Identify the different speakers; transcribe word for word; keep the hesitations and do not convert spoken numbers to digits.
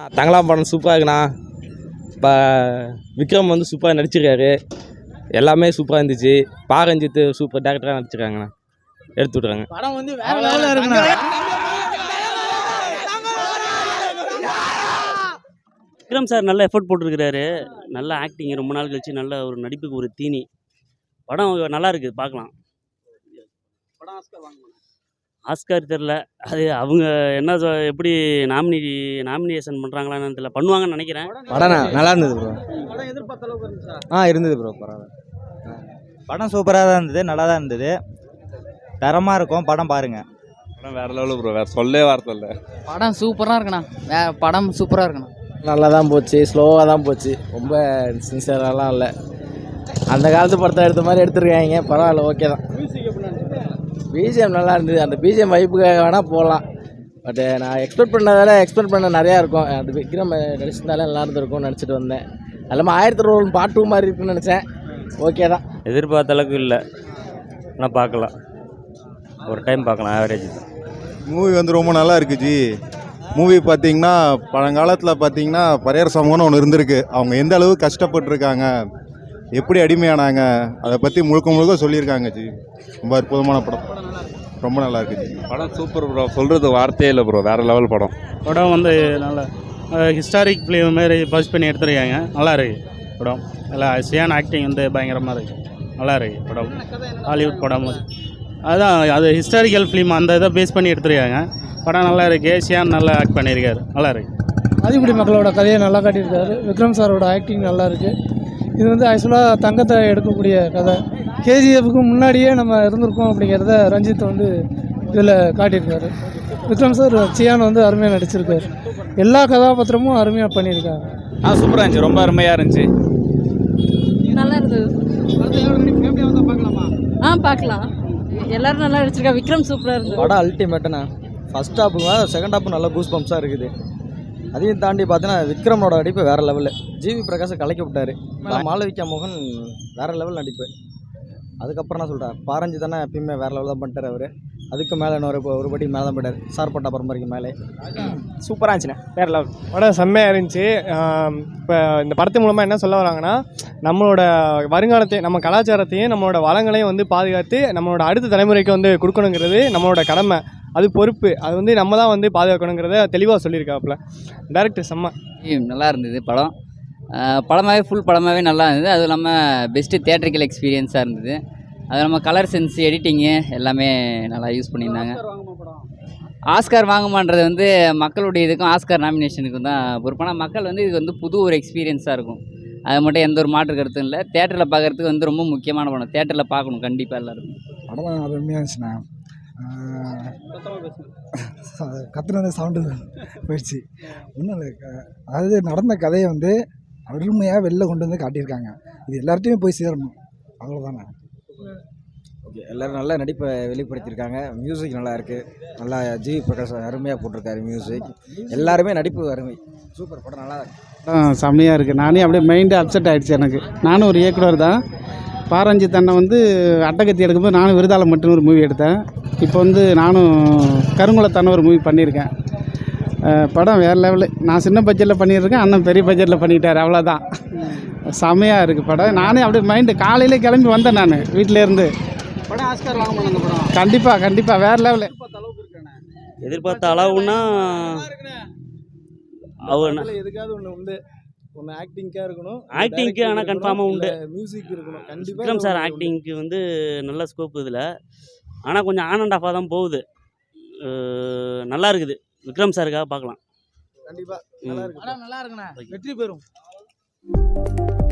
Speaker 1: தங்கலாம் படம் சூப்பராக இருக்குண்ணா. இப்போ விக்ரம் வந்து சூப்பராக நடிச்சிருக்காரு. எல்லாமே சூப்பராக இருந்துச்சு. பாரஞ்சித்து சூப்பர் டேரக்டராக நடிச்சிருக்காங்கண்ணா. எடுத்து விட்றாங்க.
Speaker 2: படம் வந்து வேற லெவலில் இருக்குண்ணா.
Speaker 3: விக்ரம் சார் நல்ல எஃபர்ட் போட்டிருக்கிறாரு. நல்ல ஆக்டிங், ரொம்ப நாள் கழிச்சு நல்ல ஒரு நடிப்புக்கு ஒரு தீனி. படம் நல்லா இருக்குது, பார்க்கலாம்.
Speaker 2: படம் ஆஸ்கர் வாங்குமா?
Speaker 3: ஆஸ்கார் தெரில, அது அவங்க என்ன சொ- எப்படி நாமினி நாமினேஷன் பண்ணுறாங்களான்னு தெரியல, பண்ணுவாங்கன்னு நினைக்கிறேன்.
Speaker 4: படம் நல்லா இருந்தது ப்ரோ.
Speaker 2: படம் எதிர்பார்த்த அளவுக்கு இருந்துச்சா?
Speaker 4: ஆ இருந்தது ப்ரோ, பரவாயில்ல. படம் சூப்பராக தான் இருந்தது, நல்லா தான் இருந்தது, தரமாக இருக்கும். படம் பாருங்க.
Speaker 5: படம் வேற லெவலு ப்ரோ, வேற சொல்லே வார்த்தை இல்லை.
Speaker 6: படம் சூப்பராக இருக்குண்ணா. வே படம் சூப்பராக இருக்குண்ணா.
Speaker 1: நல்லா தான் போச்சு, ஸ்லோவாக தான் போச்சு, ரொம்ப சின்சியராலாம் இல்லை. அந்த காலத்து படத்தை எடுத்த மாதிரி எடுத்துருக்காங்க. பரவாயில்ல, ஓகே தான்.
Speaker 2: மியூசிக் எப்படி இருந்துச்சு?
Speaker 1: பிஜிஎம் நல்லா இருந்தது. அந்த பிஜிஎம் வைப்புக்காக வேணால் போடலாம். பட்டு நான் எக்ஸ்பெக்ட் பண்ணதால எக்ஸ்பெக்ட் பண்ண நிறையா இருக்கும். அது விக்ரம் நடிச்சிருந்தாலே நல்லா இருந்திருக்கும்னு நினச்சிட்டு வந்தேன். அது இல்லாமல் ஆயிரத்தி ரோல் பார்ட் டூ மாதிரி இருக்குன்னு நினச்சேன். ஓகே தான்.
Speaker 7: எதிர்பார்த்த அளவுக்கு இல்லை, ஆனால் பார்க்கலாம், ஒரு டைம் பார்க்கலாம், ஆவரேஜ் தான்.
Speaker 8: மூவி வந்து ரொம்ப நல்லா இருக்குது ஜி. மூவி பார்த்தீங்கன்னா பழங்காலத்தில் பார்த்தீங்கன்னா பரையர் சமூகம்னு ஒன்று இருந்திருக்கு. அவங்க எந்த அளவுக்கு கஷ்டப்பட்டுருக்காங்க, எப்படி அடிமையானாங்க, அதை பற்றி முழுக்க முழுக்க சொல்லியிருக்காங்க ஜி. ரொம்ப அற்புதமான படம், ரொம்ப நல்லா இருக்குது ஜி.
Speaker 5: படம் சூப்பர் ப்ரோ, சொல்கிறது வார்த்தையே இல்லை ப்ரோ, வேற லெவல் படம்.
Speaker 9: படம் வந்து நல்ல ஹிஸ்டாரிக் ஃபிலிம் மாரி பஸ் பண்ணி எடுத்துருக்காங்க. நல்லா இருக்கு படம். நல்லா சியான் ஆக்டிங் வந்து பயங்கரமாக இருக்குது. நல்லா இருக்கு படம். ஹாலிவுட் படம் அது அதுதான், அது ஹிஸ்டாரிக்கல் ஃபிலிம், அந்த இதை பேஸ் பண்ணி எடுத்துருக்காங்க. படம் நல்லா இருக்குது. சியான் நல்லா ஆக்ட் பண்ணியிருக்காரு. நல்லா இருக்கு.
Speaker 10: ஆதிக்குடி மக்களோட கதையை நல்லா காட்டியிருக்காரு. விக்ரம் சாரோட ஆக்டிங் நல்லா இருக்குது. இது வந்து ஆக்சுவலாக தங்கத்தை எடுக்கக்கூடிய கதை. கேஜிஎஃப்க்கு முன்னாடியே நம்ம இருந்திருக்கோம் அப்படிங்கிறத ரஞ்சித் வந்து இதில் காட்டியிருக்காரு. விக்ரம் சார் சியான் வந்து அருமையாக நடிச்சிருக்காரு. எல்லா கதாபாத்திரமும் அருமையாக பண்ணியிருக்காங்க.
Speaker 1: ஆ சூப்பராக இருந்துச்சு, ரொம்ப அருமையாக இருந்துச்சு.
Speaker 6: நல்லா இருந்தது.
Speaker 2: ஃபேமிலியாக வந்தால் பார்க்கலாமா?
Speaker 6: ஆ பார்க்கலாம். எல்லாரும் நல்லா நடிச்சிருக்காங்க. விக்ரம் சூப்பராக இருந்தது.
Speaker 4: படம் அல்டிமேட்டுண்ணா. ஃபஸ்ட் ஹாப்புங்க செகண்ட் ஹாப்பு நல்லா கூஸ் பம்ப்ஸாக இருக்குது. அதையும் தாண்டி பார்த்தீங்கன்னா விக்ரமோட நடிப்பு வேறு லெவலில். ஜிவி பிரகாஷை கலக்கி விட்டார். மாளவிகா மோகன் வேறு லெவல் நடிப்பு. அதுக்கப்புறம் நான் சொல்கிறேன், பாரஞ்சி தானே எப்பயுமே வேறு லெவல் தான் பண்ணிட்டார் அவர். அதுக்கு மேலே இன்னொரு ஒரு படி மேலே தான் போயிட்டார். சார்பட்டா பரம்பரைக்கு மேலே
Speaker 1: சூப்பராக இருந்துச்சுண்ணே, வேறு லெவல்.
Speaker 10: படம் செம்மையாக இருந்துச்சு. இப்போ இந்த படத்து மூலமாக என்ன சொல்ல வராங்கன்னா, நம்மளோட வருங்காலத்தையும் நம்ம கலாச்சாரத்தையும் நம்மளோட வளங்களையும் வந்து பாதுகாத்து நம்மளோட அடுத்த தலைமுறைக்கு வந்து கொடுக்கணுங்கிறது நம்மளோட கடமை, அது பொறுப்பு. அது வந்து நம்ம தான் வந்து பாதுகாக்கணுங்கிறத தெளிவாக சொல்லியிருக்காப்புல டேரக்டர். செம்ம
Speaker 6: நல்லா இருந்தது படம். படமாகவே ஃபுல் படமாகவே நல்லா இருந்தது. அதுவும் இல்லாமல் பெஸ்ட்டு தியேட்ரிக்கல் எக்ஸ்பீரியன்ஸாக இருந்தது. அது நம்ம கலர் சென்ஸ், எடிட்டிங்கு எல்லாமே நல்லா யூஸ் பண்ணியிருந்தாங்க. ஆஸ்கார் வாங்குமான்றது வந்து மக்களுடைய இதுக்கும் ஆஸ்கார் நாமினேஷனுக்கும் தான் பொறுப்பான. மக்கள் வந்து இது வந்து புது ஒரு எக்ஸ்பீரியன்ஸாக இருக்கும். அது மட்டும் எந்த ஒரு மாற்று கருத்தும் இல்லை. தேட்டரில் பார்க்குறதுக்கு வந்து ரொம்ப முக்கியமான படம். தேட்டரில் பார்க்கணும் கண்டிப்பாக எல்லோரும்.
Speaker 10: படம் அருமையாக இருந்துச்சுண்ணா. கத்துனது சவுண்டு போயிடுச்சு. ஒன்றும் இல்லை, அதாவது நடந்த கதையை வந்து அருமையாக வெளில கொண்டு வந்து காட்டியிருக்காங்க. இது எல்லார்ட்டையும் போய் சேரணும், அவ்வளோதானே.
Speaker 4: ஓகே, எல்லோரும் நல்லா நடிப்பை வெளிப்படுத்தியிருக்காங்க. மியூசிக் நல்லா இருக்குது. நல்லா ஜிவி பிரகாஷ் அருமையாக போட்டிருக்காரு மியூசிக். எல்லாருமே நடிப்பு அருமை. சூப்பர் படம், நல்லா இருக்கு.
Speaker 10: செம்மையாக இருக்குது. நானே அப்படியே மைண்டு அப்செட் ஆகிடுச்சு எனக்கு. நானும் ஒரு இயக்குனர் தான். பாரஞ்சித் அண்ணன் வந்து அட்டகத்தி எடுக்கும்போது நானும் விருதாளம் மட்டும் ஒரு மூவி எடுத்தேன். இப்போ வந்து நானும் கருங்குளத்தான ஒரு மூவி பண்ணியிருக்கேன். படம் வேறு லெவலு. நான் சின்ன பட்ஜெட்டில் பண்ணியிருக்கேன், அண்ணன் பெரிய பட்ஜெட்டில் பண்ணிட்டார். அவ்வளோதான். செம்மையாக இருக்குது படம். நானே அப்படியே மைண்டு காலையிலே கிளம்பி வந்தேன் நான் வீட்டிலேருந்து.
Speaker 2: படம் ஆஸ்கர் வாங்க மாட்டாங்க படம்.
Speaker 10: கண்டிப்பாக கண்டிப்பாக வேறு லெவலு.
Speaker 3: எதிர்பார்த்த அளவுன்னா அவன்
Speaker 10: எதுக்காவது ஒன்று உண்டு. ஒன்று ஆக்டிங்காக இருக்கணும்,
Speaker 3: ஆக்டிங்க்கு ஆனால் கன்ஃபார்மாக உண்டு.
Speaker 10: மியூசிக் இருக்கணும் கண்டிப்பாக.
Speaker 3: விக்ரம் சார் ஆக்டிங்க்கு வந்து நல்ல ஸ்கோப் இதில். ஆனால் கொஞ்சம் ஆன் அண்ட் ஆஃபாக தான் போகுது. நல்லா இருக்குது. விக்ரம் சாருக்காக பார்க்கலாம்.
Speaker 10: கண்டிப்பாக நல்லா இருக்கு.
Speaker 2: நல்லா இருக்குண்ணா. வெற்றி பெறும்.